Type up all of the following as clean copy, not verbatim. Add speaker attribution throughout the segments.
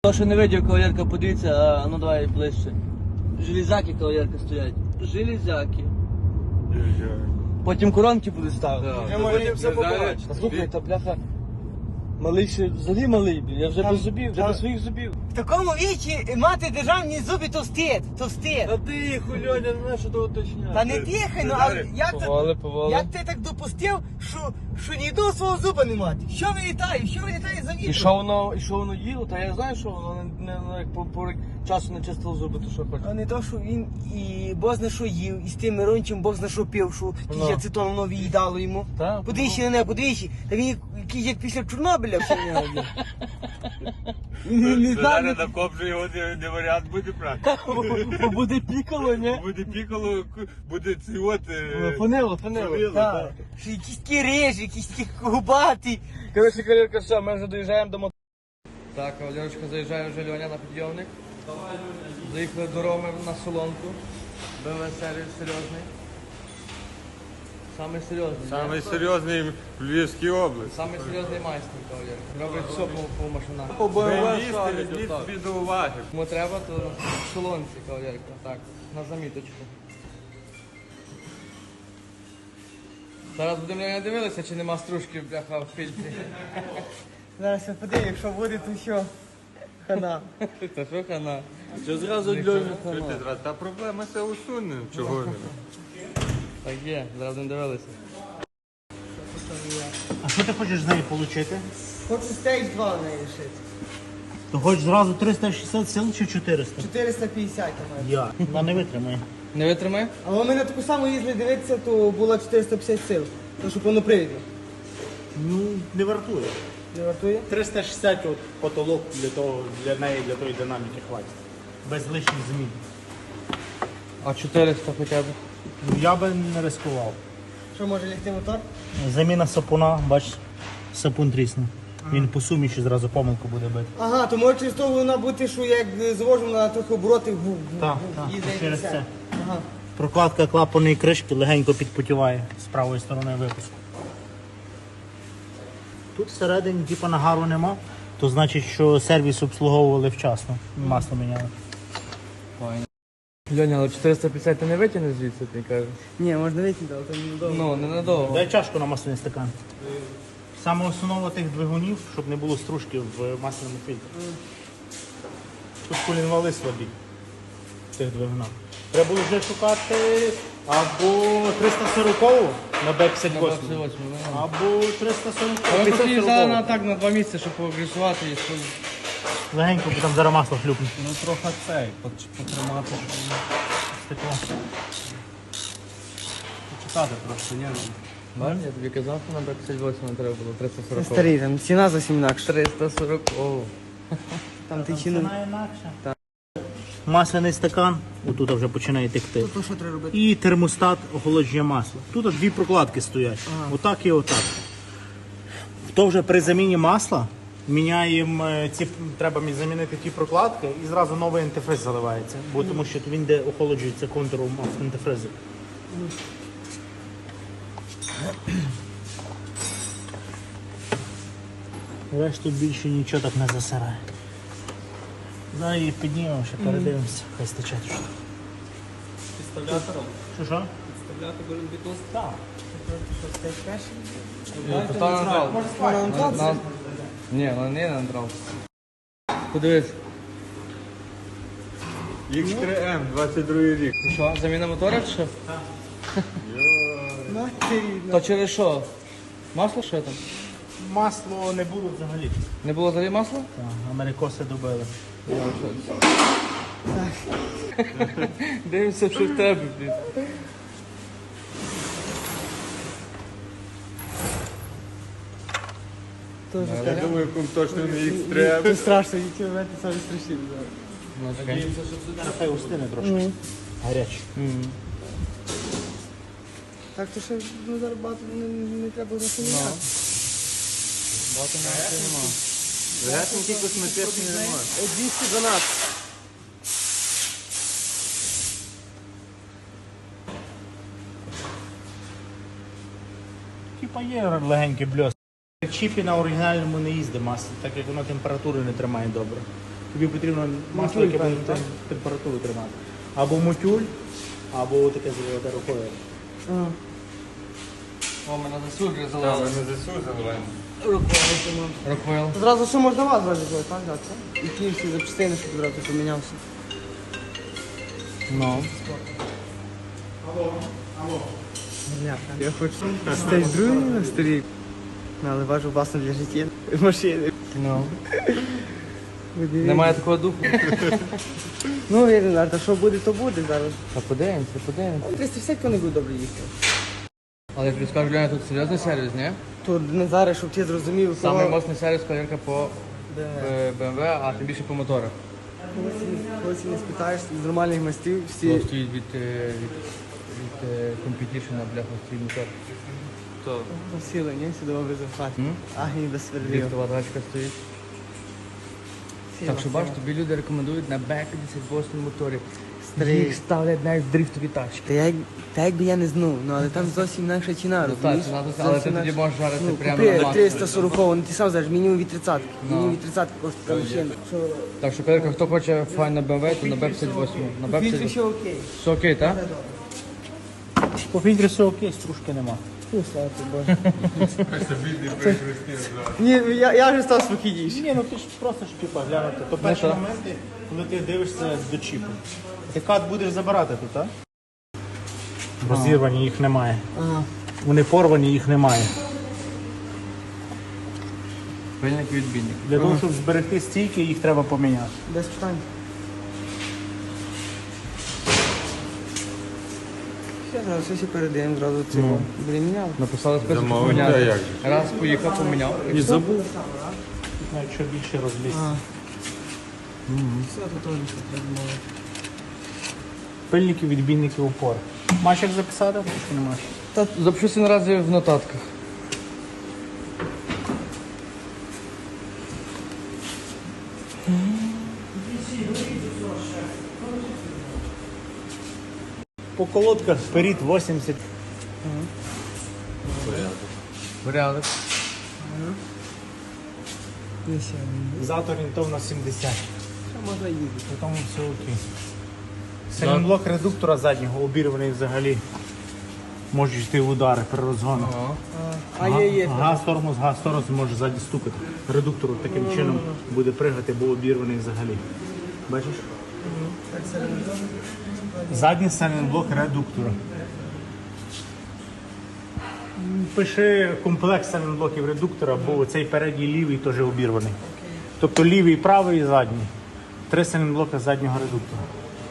Speaker 1: То, що не видів, кавалерка, подивіться, а ну давай ближче. Железяки, кавалерка, стоять. Железяки. Потім коронки будуть ставити.
Speaker 2: Ми можемо все побачити.
Speaker 1: Слухай, та бляха. Малий ще взагалі малий, я вже без зубів, вже без своїх зубів.
Speaker 3: В такому віці мати державні зуби то стид, то стид.
Speaker 2: Та ти, Хульоня, не знаєш, що то уточняти.
Speaker 3: Та не тихай, ну а
Speaker 1: Повали.
Speaker 3: як ти так допустив, що ні одного свого зуба не мати? Що вилітає за вітром?
Speaker 1: І що воно їло, та я знаю, що воно як по часу не чистило зуби, то що хоче.
Speaker 3: А не то, що він і бог зна що їв, і з тим Мирончим бог зна що пив, що ті ацетон воно виїдало йому.
Speaker 1: Так.
Speaker 3: Подивіться на неї, подивіться. Та він якийсь як після Чорнобиля все в нього. Не знаю.
Speaker 2: На коп же його не варіант буде брати.
Speaker 1: Бо буде пікало, ні?
Speaker 2: Буде пікало, буде ці от...
Speaker 1: Фанило.
Speaker 3: Так. Що якісь такі режі, якісь такі губаті.
Speaker 1: Коротше, кавалерка, все, ми вже доїжджаємо до мотора. Так, кавалерочка, заїжджає вже Льоня на підйомник. Заїхали до Роми на солонку. БМВ сервіс серйозний. Самий серйозний.
Speaker 2: Самий серйозний в Львівській області.
Speaker 1: Самий серйозний майстер, кавалерка. Робить все по машинах.
Speaker 2: По БМВ візьміть собі до уваги.
Speaker 1: Кому треба, то в солонці, кавалерка. Так, на заміточку. Зараз будемо Льоня дивилися, чи нема стружки бляха в фільтрі.
Speaker 3: Зараз я подивлю, якщо буде, то що? Хана.
Speaker 1: Та що хана?
Speaker 2: Що зразу Льоня? Та проблема це усуне. Чого не?
Speaker 1: Так є, зараз будемо дивилися.
Speaker 4: А що ти хочеш з неї отримати?
Speaker 3: Хочу стейдж 2 в неї лишити.
Speaker 4: Ти хочеш зразу 360 сил чи 400?
Speaker 3: 450 там.
Speaker 4: Я. Вона не витримає.
Speaker 1: Не витримай?
Speaker 3: Але ми на таку саму їздили дивитися, то було 450 сил. То що повнопривідно.
Speaker 4: Ну, не вартує.
Speaker 3: Не вартує?
Speaker 4: 360 от потолок для неї, для тої динаміки хватить. Без лишніх змін.
Speaker 1: А 400 хоча б.
Speaker 4: Ну, я би не ризикував.
Speaker 3: Що може лягти мотор?
Speaker 4: Заміна сапуна, бачиш, сапун трісне. Він по суміші зразу помилку буде бити.
Speaker 3: Ага, то може через то вона бути, що як завожу на трохи обороти
Speaker 4: Так,
Speaker 3: їздить і
Speaker 4: через
Speaker 3: все.
Speaker 4: це.
Speaker 3: Ага.
Speaker 4: Прокладка клапаної кришки легенько підпотіває з правої сторони випуску. Тут всередині типу, нагару нема, то значить, що сервіс обслуговували вчасно. Масло міняли.
Speaker 1: Льоня, але 450 ти не витягнеш звідси, ти кажеш?
Speaker 3: Ні, можна витягнути, але то недовго.
Speaker 1: Ну, ненадовго.
Speaker 4: Дай чашку на масляний стакан. Саме основа тих двигунів, щоб не було стружки в масляному фільтрі. Тут колінвали слабі в тих двигунах. Треба було вже шукати або 340 на Б58, або 340.
Speaker 1: Але приїжджали на так на 2 місяці, щоб погрісувати і щоб...
Speaker 4: Легенько, бо там зараз масло хлюпне.
Speaker 2: Ну трохи цей, потримати.
Speaker 4: Стекло.
Speaker 2: Почекати трошки, ні?
Speaker 1: Бачиш, я тобі казав, що на Б58 треба було 340.
Speaker 3: Старий, там ціна зовсім інакша.
Speaker 1: 340.
Speaker 3: Там ти ціну.
Speaker 4: Ціна інакша. Масляний стакан, отут вже починає текти.
Speaker 3: То що треба робити?
Speaker 4: І термостат охолодження масла. Тут дві прокладки стоять. Отак і отак. То вже при заміні масла міняємо треба замінити ті прокладки і зразу новий антифриз заливається. Бо тому що він де охолоджується контуром антифризу. Решта тут більше нічого так не засирає. Зараз її піднімемо, ще передивимося, хай стече трошки.
Speaker 2: Підставлятором?
Speaker 4: Що?
Speaker 2: Підставляти бітус?
Speaker 4: Так.
Speaker 1: Постав на нейтрал. Ні, вона не на нейтрал. Подивись.
Speaker 2: X3M, 22 рік.
Speaker 1: Що, заміна мотора чи що?
Speaker 3: Матері.
Speaker 1: То через що? Масло що там?
Speaker 4: Масло не було взагалі.
Speaker 1: Не було взагалі масла?
Speaker 4: Так, америкоси добили.
Speaker 1: Дивимося, що в тебе, блін.
Speaker 2: Я думаю, кум точно не X3M.
Speaker 3: Це страшно, які моменти самі страшні.
Speaker 1: Ну, чекай.
Speaker 4: Хай устине трошки. Гаряче.
Speaker 3: Так, то ще зараз багато не треба на міняти.
Speaker 1: Багато нема.
Speaker 2: Легесенький косметичний ремонт.
Speaker 3: 212.
Speaker 4: Типа є легенький бльос. В чіпі на оригінальному не їздить масло, так як воно температури не тримає добре. тобі потрібно масло, яке буде температуру тримати. Або мутюль, або таке золоте рукою.
Speaker 1: О, мене засуджує
Speaker 2: Та,
Speaker 1: залили.
Speaker 2: ми ЗСУ заливаємо.
Speaker 1: Роквел.
Speaker 3: Зразу що можна вас зразу зробити, так, так? І ті всі запчастини, щоб одразу помінявся.
Speaker 1: Ну.
Speaker 3: Я хочу стати другий на старі. Але важу власне для життя машини.
Speaker 1: Ну. Немає такого духу.
Speaker 3: Ну, я не знаю, та що буде, то буде зараз.
Speaker 1: Та подивимося, подивимося.
Speaker 3: 350 не буде добре їхати.
Speaker 1: Але я тобі скажу, Леня, тут серйозний сервіс, ні?
Speaker 3: То не зараз, щоб ти зрозумів,
Speaker 1: Самий моцний сервіс кавалерка по BMW, а тим більше по моторах.
Speaker 3: Коли не спитаєш з нормальних мастів, всі
Speaker 1: Хто стоїть від компетішена, бляха, свій мотор. То
Speaker 3: посіли, ні? Сюди добре захвати.
Speaker 1: М?
Speaker 3: Ах, і без сверлів.
Speaker 1: ліфтова тачка стоїть. Так що бачиш, тобі люди рекомендують на B58 моторі. Їх ставлять навіть в дрифтові тачки.
Speaker 3: Та якби я не знав, ну але там зовсім інакша ціна,
Speaker 1: Ну так, ціна тут, але ти тоді можеш жарити прямо на
Speaker 3: купи
Speaker 1: максимум.
Speaker 3: 340, ну ти сам знаєш, мінімум від 30. Мінімум від 30 коштує така машина. Що
Speaker 1: Так що, кавалерка, хто хоче файну BMW, то на B58. На
Speaker 3: фільтри
Speaker 1: B58.
Speaker 3: ще окей.
Speaker 1: Все окей, так?
Speaker 4: По фільтрі все окей, стружки нема.
Speaker 3: Ну, слава тобі, Боже.
Speaker 2: Собі не прихрестив.
Speaker 3: Ні, я вже став спокійніший.
Speaker 4: Ні, ну ти ж просто ж типу глянути. То перші
Speaker 1: що?
Speaker 4: моменти, коли ти дивишся до чіпу. Ти кат будеш забирати тут, так? Розірвані їх немає.
Speaker 3: Ага.
Speaker 4: Вони порвані, їх немає.
Speaker 1: Пильник відбійник.
Speaker 4: Для того, щоб зберегти стійки, їх треба поміняти.
Speaker 3: Без питань. Все, зараз все передаємо, зразу цього. Буде міняли.
Speaker 1: Написали список, що
Speaker 2: Замовлення,
Speaker 1: поміняти.
Speaker 2: як же?
Speaker 1: Раз поїхав, поміняв.
Speaker 4: І забув. Навіть що більше розліз.
Speaker 3: Все, тут теж все треба мовити.
Speaker 4: Пильники, відбійники, упор. Маєш як записати? Чи не маєш?
Speaker 1: Та запишуся наразі в нотатках.
Speaker 4: По колодках вперед 80.
Speaker 1: Порядок.
Speaker 4: Зад орієнтовно 70.
Speaker 3: Що можна їздити?
Speaker 4: При тому все окей. Сайлентблок редуктора заднього обірваний взагалі. Можуть йти в удари при розгонах.
Speaker 3: А є.
Speaker 4: Газ, тормоз може ззаді стукати. Редуктор таким чином буде пригати, бо обірваний взагалі. Бачиш? Задній сайлентблок редуктора. Пиши комплекс сайлентблоків редуктора, бо цей передній лівий теж обірваний. Тобто лівий, правий і задній. 3 сайлентблока заднього редуктора.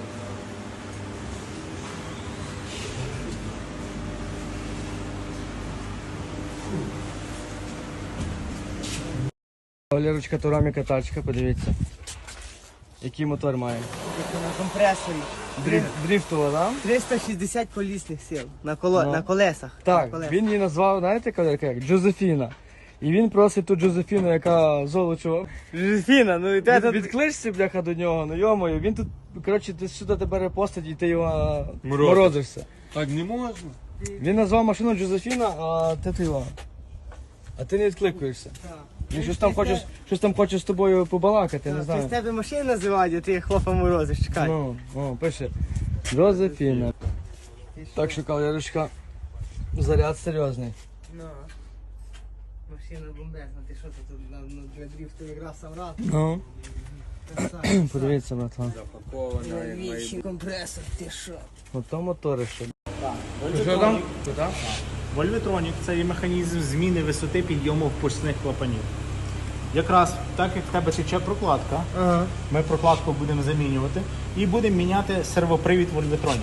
Speaker 1: Валерочка, тураміка тачка, подивіться. Який мотор має?
Speaker 3: На компресорі.
Speaker 1: Дрифтова, так?
Speaker 3: 360 колісних сил на
Speaker 1: Ну.
Speaker 3: на колесах. На
Speaker 1: Так,
Speaker 3: колесах.
Speaker 1: він її назвав, знаєте, кавалерка, як? Джозефіна. І він просить ту Джозефіну, яка золочу.
Speaker 3: Жозефіна, ну і те тут...
Speaker 1: Відкличся, бляха, до нього, ну йомою, він тут, коротше, ти сюди тебе репостить і ти його
Speaker 2: Морозиш.
Speaker 1: морозишся.
Speaker 2: Так не можна.
Speaker 1: Він назвав машину Джозефіна, а ти його. А ти не відкликуєшся. Він щось там хоче з тобою побалакати, не
Speaker 3: Ти з
Speaker 1: знаю.
Speaker 3: тебе машини називають, а ти хлопа морозиш, чекай.
Speaker 1: Ну, о, пише. Джозефіна. Так що, кавалерочка, заряд серйозний.
Speaker 3: Ну. Машина бомбезна, ти що тут для дрифту якраз сам рад.
Speaker 1: Ну, подивіться, братан.
Speaker 2: Запакована, як має
Speaker 3: Вічний компресор, ти що?
Speaker 1: Ото мотори ще. Що там? Що там?
Speaker 4: Вольветронік це є механізм зміни висоти підйому впускних клапанів. Якраз так як в тебе тече прокладка,
Speaker 3: Ага.
Speaker 4: ми прокладку будемо замінювати і будемо міняти сервопривід Вольветронік.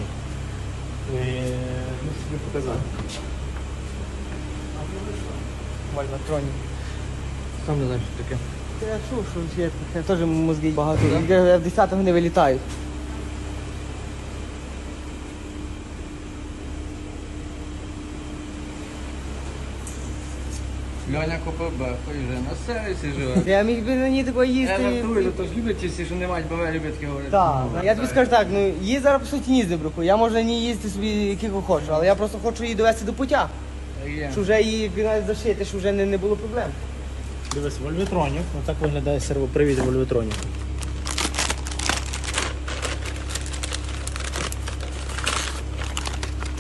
Speaker 4: Ну, собі показати.
Speaker 3: Вольватроні.
Speaker 1: Сам не знаю, що таке.
Speaker 3: Я чув, що є таке, теж мозги багато. Я в 10-му не вилітають.
Speaker 1: Льоня купив беху і вже на сервісі живе.
Speaker 3: Я міг би на ній такої
Speaker 1: Я
Speaker 3: їсти.
Speaker 1: жартую, то ж люблять ті всі, що не мають БМВ, люблять таке говорити.
Speaker 3: Так, я тобі скажу так, ну її зараз по суті ні бруху. Я можу на ній їздити собі яких хочу, але я просто хочу її довести до пуття.
Speaker 1: Так є.
Speaker 3: Щоб вже її навіть зашити, щоб вже не було проблем.
Speaker 4: Дивись, Вольветронік, отак виглядає сервопривід Вольветроніка.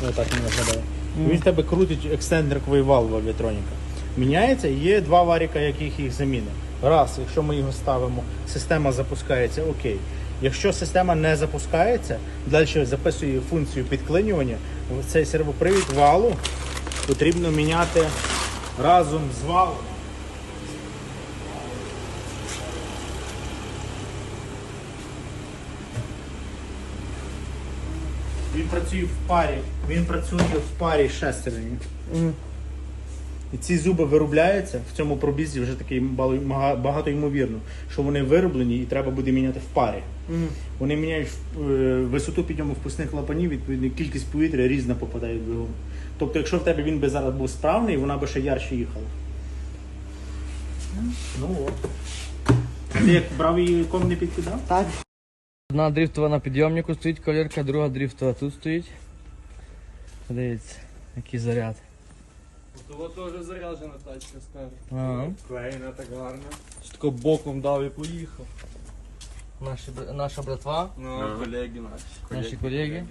Speaker 4: Отак він виглядає. Він в тебе крутить екстендерковий вал в авіатроніка. Міняється, і є два варіка, яких їх заміни. Раз, якщо ми його ставимо, система запускається, окей. Якщо система не запускається, далі записує функцію підклинювання, цей сервопривід валу потрібно міняти разом з валом. Він працює в парі з шестерню. І ці зуби виробляються в цьому пробізі вже такий багато ймовірно, що вони вироблені і треба буде міняти в парі. Вони міняють висоту підйому впускних клапанів, відповідно кількість повітря різна попадає в двигун. Тобто, якщо в тебе він би зараз був справний, вона би ще ярче їхала. Ну от. Ти як брав її, ком не підкидав?
Speaker 3: Так.
Speaker 1: Одна дрифтова на підйомнику стоїть колірка, друга дрифтова тут стоїть. Подивіться, який заряд.
Speaker 2: Того теж заряджена тачка, скажу.
Speaker 1: Ага.
Speaker 2: Клеєна так гарно.
Speaker 1: Тако боком дав і поїхав. Наша братва,
Speaker 2: Ну, колеги наші.
Speaker 1: наші колеги.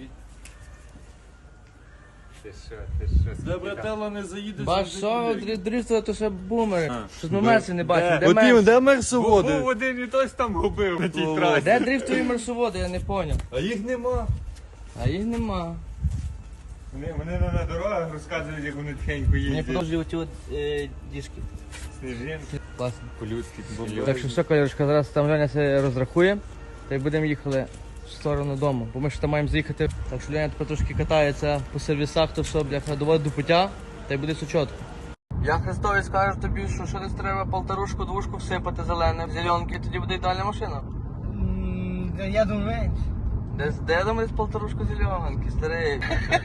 Speaker 2: Ти що?
Speaker 5: Де братела не заїдеш?
Speaker 1: Бач, що дрифтова, то ще бумери. Щось ми
Speaker 2: Де?
Speaker 1: мерси не бачимо. Де
Speaker 5: От
Speaker 1: мерси?
Speaker 5: де мерсоводи?
Speaker 2: Був один і тось там губив на тій трасі.
Speaker 1: Де дрифтові мерсоводи, я не поняв.
Speaker 5: А їх нема.
Speaker 1: А їх нема.
Speaker 2: Вони на дорогах розказують, як вони тихенько
Speaker 1: Мені
Speaker 2: їздять.
Speaker 1: подовжують оті от діжки.
Speaker 2: Сніжинки.
Speaker 1: Класно.
Speaker 2: По-людськи.
Speaker 1: Так що все, колірочка, зараз там Леня все розрахує. Та й будемо їхали в сторону дому. Бо ми ж там маємо заїхати. Так що Леня тепер трошки катається по сервісах, то все, бляха, доводить до пуття, та й буде все чітко. Я Христові скажу тобі, що десь треба полторушку, двушку всипати зелене, зеленки, тоді буде ідеальна машина.
Speaker 3: Я думаю, менше.
Speaker 1: Де там десь полторушку зеленки, старий?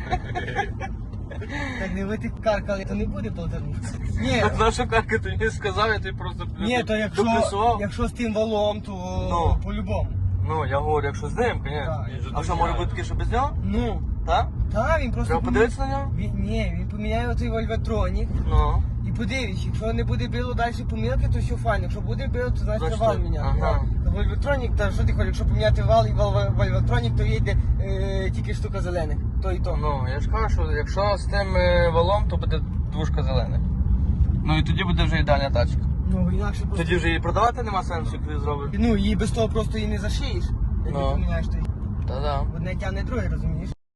Speaker 3: Так не ви ти каркали, то не буде полторушки. Ні,
Speaker 1: Так наша карка ти мені сказав, я тобі просто
Speaker 3: ні, то
Speaker 1: доплюсував.
Speaker 3: якщо з тим валом, то
Speaker 1: Ну.
Speaker 3: по-любому.
Speaker 1: Ну, я говорю, якщо з ним, звісно.
Speaker 3: Так.
Speaker 1: А що, може бути таке, що без нього?
Speaker 3: Ну,
Speaker 1: Так?
Speaker 3: так, він просто...
Speaker 1: Треба подивитися на нього?
Speaker 3: Ні, він поміняє оцей вольветронік.
Speaker 1: Ну.
Speaker 3: І подивись, якщо не буде било далі помилки, то все файно. Якщо буде било, то значить
Speaker 1: Значить,
Speaker 3: вал міняти.
Speaker 1: ага.
Speaker 3: Так. Вольветронік, та що ти хочеш, якщо поміняти вал і вольветронік, то їде тільки штука зелених. То і то.
Speaker 1: Ну, я ж кажу, що якщо з тим валом, то буде двушка зелених. Ну і тоді буде вже ідеальна тачка.
Speaker 3: Ну, інакше просто...
Speaker 1: Тоді вже її продавати нема сенсу, як ти зробиш.
Speaker 3: Ну, її без того просто і не зашиєш. Як
Speaker 1: Ну.
Speaker 3: ти поміняєш, то
Speaker 1: Та-да.
Speaker 3: одне тягне друге, розумієш?